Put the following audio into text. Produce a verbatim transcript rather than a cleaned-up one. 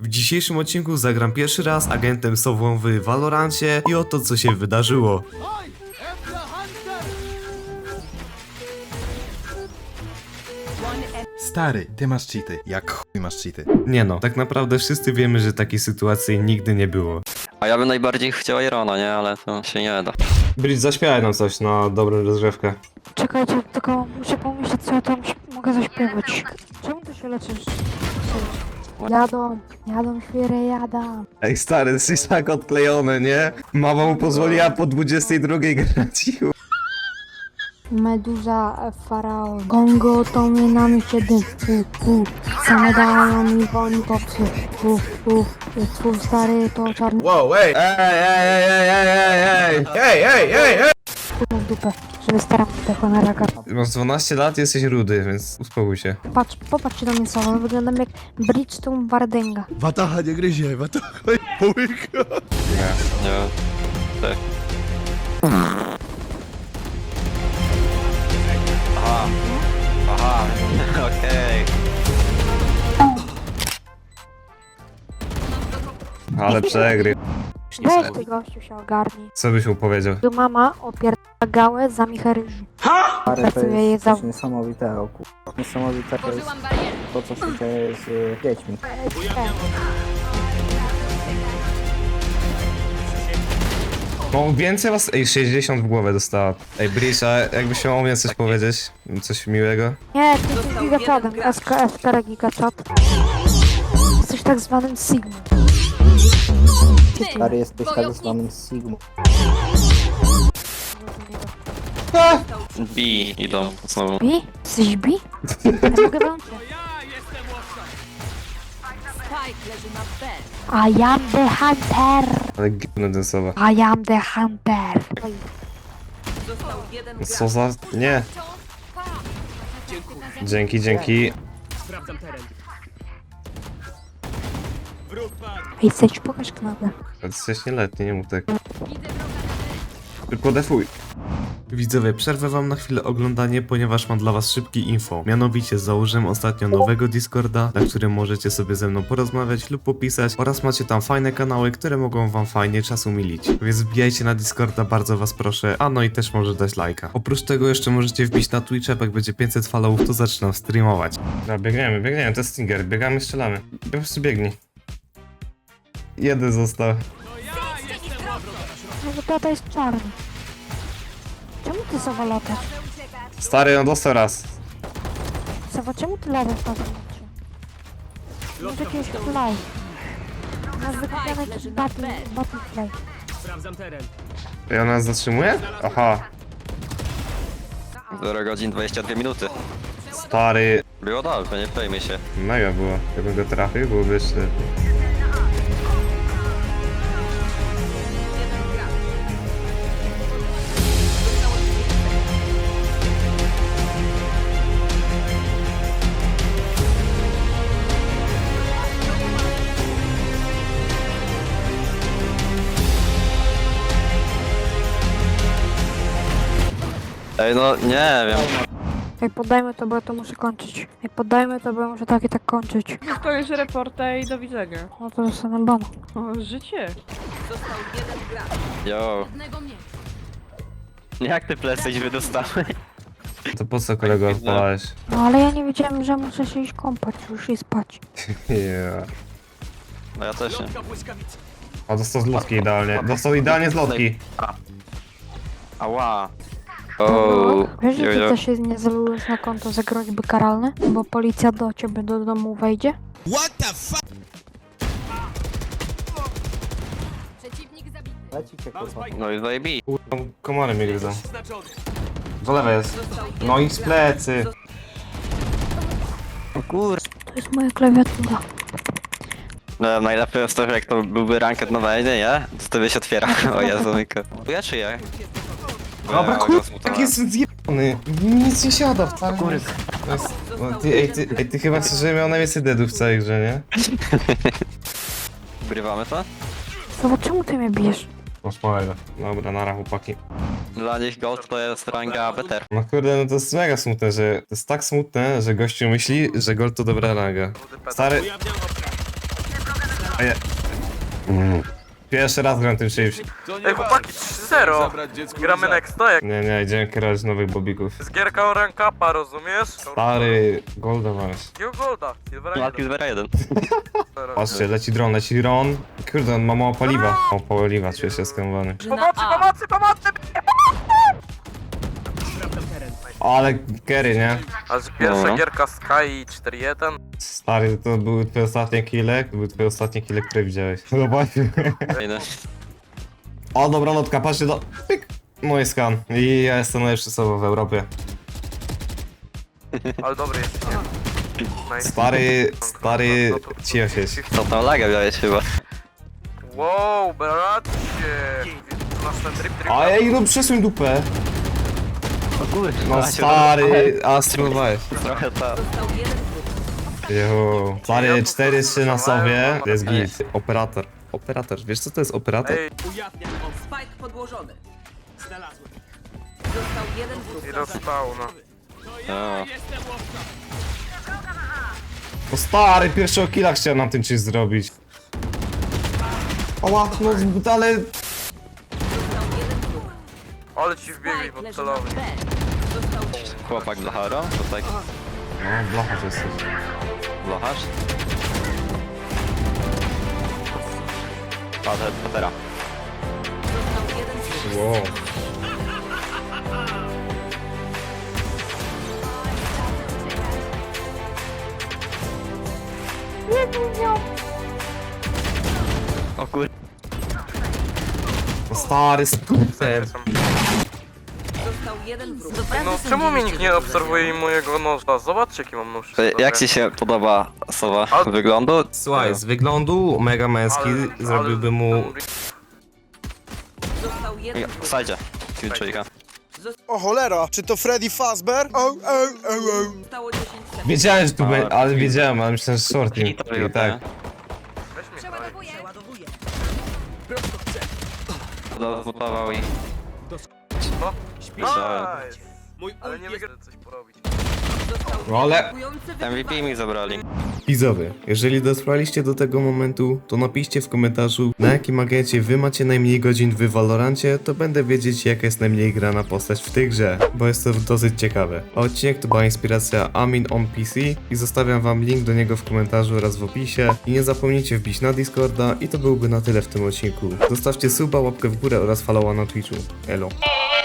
W dzisiejszym odcinku zagram pierwszy raz agentem Sową w Valorancie i oto co się wydarzyło. Stary, ty masz cheaty. Jak chuj masz cheaty. Nie no, tak naprawdę wszyscy wiemy, że takiej sytuacji nigdy nie było. A ja bym najbardziej chciał Irona, nie? Ale to się nie da. Bridge, zaśpiewaj nam coś na dobrą rozgrzewkę. Czekajcie, tylko muszę pomyśleć, co ja tam śp- mogę zaśpiewać. Czemu ty się leczysz? Jadą, jadą świry, jadą. Ej stary, jesteś tak odklejony, nie? Mama mu pozwoliła po dwudziestej drugiej grać. Meduza, faraon, gongo to mnie na mieście dym, u, u, same dają mi woni popsy, u, u, twój stary to czarny Wow, ej! Ej, ej, ej, ej, ej, ej, ej, ej, ej, ej! k***a w dupę, żeby staram tego na raka. Masz dwanaście lat i jesteś rudy, więc uspokój się. Patrz, popatrzcie na mnie słowo, wyglądam jak Bridgestone Wardenga. Watacha nie gryzie, watacha nie połyka. Nie. Tak. Aha. Aha. Okej. Ale przegry. Weź ty gościu się ogarnij. Co byś mu powiedział? Tu mama opierdala gałę za michę ryżu. Ale to Pracuję je jest za... coś niesamowitego, ku... Niesamowite to jest to, co się dzieje z y, dziećmi. No więcej was... Ej, sześćdziesiąt w głowę dostała. Ej, Bridge, a jakbyś miał o mnie coś powiedzieć? Coś miłego? Nie, ty jesteś gigachatem, S K F cztery gigachat. Jesteś tak zwanym Sigma. Stary, jesteś tak zwanym Sigmą. B idą znowu. Bi? Jesteś bi? Ja mogę włączyć. I am the hunter. Ale gówno ten sowa. I am the hunter. Co za... Nie. Dzięki, dzięki. Ej, Sage, pokaż knapę. Jesteś nieletni, nie mów tak. Tylko defuj. Widzowie, przerwę wam na chwilę oglądanie, ponieważ mam dla was szybki info. Mianowicie założyłem ostatnio nowego Discorda, na którym możecie sobie ze mną porozmawiać lub popisać oraz macie tam fajne kanały, które mogą wam fajnie czas umilić. Więc wbijajcie na Discorda, bardzo was proszę, a no i też może dać lajka. Oprócz tego jeszcze możecie wbić na Twitcha, jak będzie pięćset followów, to zaczynam streamować. No biegniemy, biegniemy, to jest Stinger, biegamy, strzelamy. Po prostu biegnij. Jeden został. No bo tata jest czarny. Czemu ty Sowa latasz? Stary, on dostał raz. Sowa, czemu ty latasz na tym meczu? Masz jakiegoś fly. Masz wykupiony jakiś battle, battle fly. I ona nas zatrzymuje? Aha. zero godzin dwadzieścia dwie minuty. Stary, Było dobrze, nie przejmij się. mega było. Jakbym go trafił, byłoby jeszcze lepiej. Ej, no nie wiem. Ej, poddajmy to, bo ja to muszę kończyć. Ej, poddajmy to, bo ja muszę tak i tak kończyć. To już reporta i do widzenia. No to dostanę bana. O, życie. Yo. Jak ty plecy wydostałeś? To po co kolego odpalałeś? No ale ja nie wiedziałem, że muszę się iść kąpać już i spać. Yeah. No ja też nie. A dostał z lotki idealnie. Dostał idealnie z lotki. Ała. No, O, wiesz, że ty jojo. też się nie zalujesz na konto za groźby karalne? Bo policja do ciebie do domu wejdzie? Leci cię, kurwa. No i zajebi. Kurwa, komary mnie gryzą. Do lewej jest. No i z plecy. O kur... To jest moja klawiatura. No, najlepiej jest to, że jak to byłby ranket na wejdzie, nie? To tobie się otwiera. O Jezu, myka. Ja czy ja? Dobra, kurwa, jak jest zjebany. Nic nie siada wcale. Kurwa. No, ty, ej, ty, ej, ty chyba chcesz, żebym miał najwięcej deadów w całej grze, nie? Ugrywamy to? Zobacz, czemu ty mnie bijesz? Masz małego. Dobra, nara chłopaki. Dla nich gold to jest ranga better. No kurde, no to jest mega smutne, że... To jest tak smutne, że gościu myśli, że gold to dobra ranga. Stary... A ja... Mm. Pierwszy raz gram tym czymś. Ej chłopaki, trzy zero. Gramy next, no jak Nie, nie, idziemy kierować nowych bobików. z gierka o rank upa, rozumiesz? Stary, golda masz. Jakiego golda? Silvera Lat Silvera jeden. Patrzcie, leci dron, leci dron. Kurde, on ma mało paliwa. Mało paliwa, czuję się skrębowany. Pomocy, pomocy, pomocy! Ale Kerry, nie? A z pierwsza No. gierka Sky cztery jeden. Stary, to były twoje ostatnie kile? To były twoje ostatnie kile, które widziałeś. Zobaczmy. Fajne. O, dobra notka, patrzcie do... Pyk! Mój skan. I ja jestem najlepszy sobą w Europie. Ale dobry jest, nie? Nice. Stary, stary... Cicho siedź. Co tam laga miałeś chyba? Wow, bracie! Masz ten drip drip. A ej, no przesuń dupę. O kurde. No stary, a spróbowałeś. Trochę tak. Jo. Stary, cztery trzy na sobie. To jest git. Operator. Operator, wiesz co to jest operator? Ej, Spike podłożony. Znalazłem. Został jeden wróg. i dostał, no. O. No stary, pierwszego killa chciałem na tym czymś zrobić. Oła, no ale... Ale ci wbiegli pod celownik. Chłopak blacharo? To tak No, blachacz jesteś. blacharz? Patrzę, patera. Wow. O kur... No stary, skuter. Został jeden wróg. No czemu mnie nikt nie obserwuje mojego noża? Zobaczcie jaki mam nóż. Jak ci się podoba sowa wyglądu? Słuchaj, z wyglądu mega męski, Ale- zrobiłbym mu... ale- Został jeden wróg. Sajdzie. Kilczujka. O cholera, czy to Freddy Fazbear? O, o, o, o. Zostało dziesięć sekund. Wiedziałem, że tu będzie, ale wiedziałem, ale myślałem, że short nim. I to I tak. Weź mnie daj. Dozmutował i... No. Myślałem. Nice. Ale nie wygra coś porobić. No ale... Atakujący M V P mi zabrali. Widzowie, jeżeli dotrwaliście do tego momentu, to napiszcie w komentarzu, na jakim agencie wy macie najmniej godzin w Valorancie, to będę wiedzieć, jaka jest najmniej grana postać w tej grze, bo jest to dosyć ciekawe. A odcinek to była inspiracja Amin on P C i zostawiam wam link do niego w komentarzu oraz w opisie. I nie zapomnijcie wbić na Discorda i to byłby na tyle w tym odcinku. Zostawcie suba, łapkę w górę oraz followa na Twitchu. Elo.